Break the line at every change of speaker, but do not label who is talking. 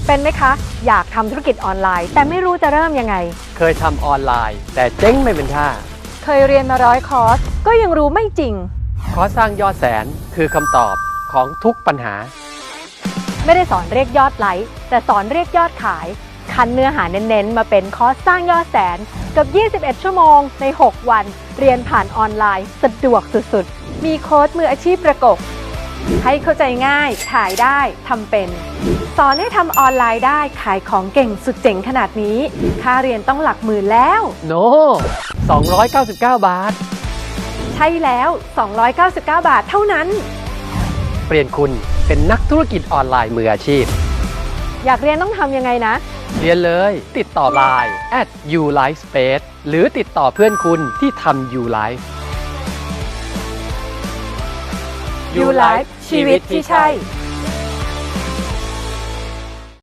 เป็นไหมคะอยากทำธุรกิจออนไลน์แต่ไม่รู้จะเริ่มยังไง
เคยทำออนไลน์แต่เจ๊งไม่เป็นท่า
เคยเรียนมา100 คอร์สก็ยังรู้ไม่จริง
คอร์สสร้างยอดแสนคือคำตอบของทุกปัญหา
ไม่ได้สอนเรียกยอดไลค์แต่สอนเรียกยอดขายคั้นเนื้อหาเน้นๆมาเป็นคอร์สสร้างยอดแสนกับ21 ชั่วโมงใน 6 วันเรียนผ่านออนไลน์สะดวกสุดๆมีโค้ชมืออาชีพประกบให้เข้าใจง่ายขายได้ทำเป็นสอนให้ทำออนไลน์ได้ขายของเก่งสุดเจ๋งขนาดนี้ค่าเรียนต้องหลักหมื่นแล้ว
โน 299 บาท
ใช่แล้ว299 บาทเท่านั้น
เปลี่ยนคุณเป็นนักธุรกิจออนไลน์มืออาชีพ
อยากเรียนต้องทำยังไงนะ
เรียนเลยติดต่อ Line @ulifespace หรือติดต่อเพื่อนคุณที่ทำ Ulife
Ulife ชีวิตที่ใช่